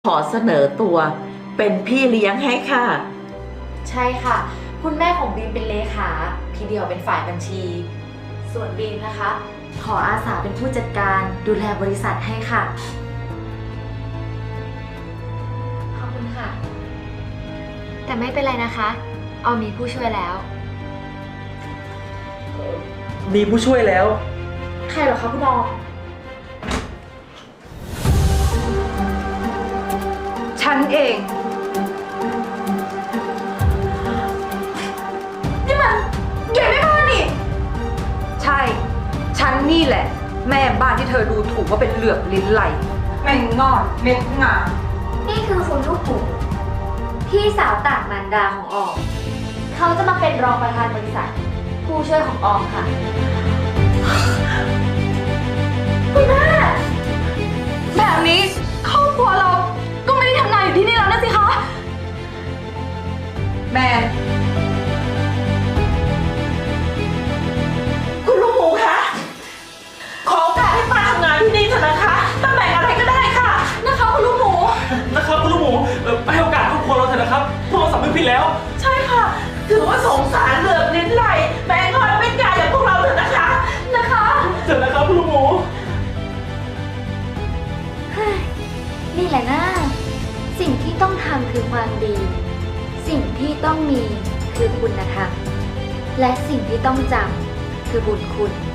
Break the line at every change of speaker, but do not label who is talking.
ขอเสนอตัวเป็นพี่เลี้ยงให้ค่ะ
ใช่ค่ะ คุณแม่ของบีมเป็นเลขาพี่เดียวเป็นฝ่ายบัญชี ส่วนบีมนะคะ ขออาสาเป็นผู้จัดการดูแลบริษัทให้ค่ะ ขอบคุณค่ะ แต่ไม่เป็นไรนะคะออมมีผู้ช่วยแล้ว
มีผู้ช่วยแล้ว
ใครเหรอคะคุณออม
ฉันเอง
นี่มันใหญ่ไม่พอนี่
ใช่ ฉันนี่แหละ แม่บ้านที่เธอดูถูกว่าเป็นเหลือบลิ้นไหลแม่งงอดเม็ดงา
นี่คือคุณลูกหมูพี่สาวต่างมารดาของออม เขาจะมาเป็นรองประธานบริษัท ผู้ช่วยของออมค่ะ คุณแม่
แบบนี้ครอบครัวเราก็ไม่ได้ทำงานอยู่ที่นี่แล้วนะสิคะ แม่
คุณลูกหมูคะขอโอกาสให้ป้าทำงานที่นี่เถอะนะคะตำแหน่งอะไรก็ได้ค่ะ
นะคะคุณลูกหมู
นะครับคุณลูกหมูให้โอกาสครอบครัวเราเถอะนะครับพวกเราสำนึกผิดแล้ว
ใช่ค่ะ ถือว่าสงสารเหลือบลิ้นไหลแม่งอนเป็นกายอย่างพวกเราเถอะนะคะ
เถอะนะครับคุณลูกหมู
นี่แหละนะสิ่งที่ต้องทำคือความดี สิ่งที่ต้องมีคือคุณธรรมและสิ่งที่ต้องจำคือบุญคุณ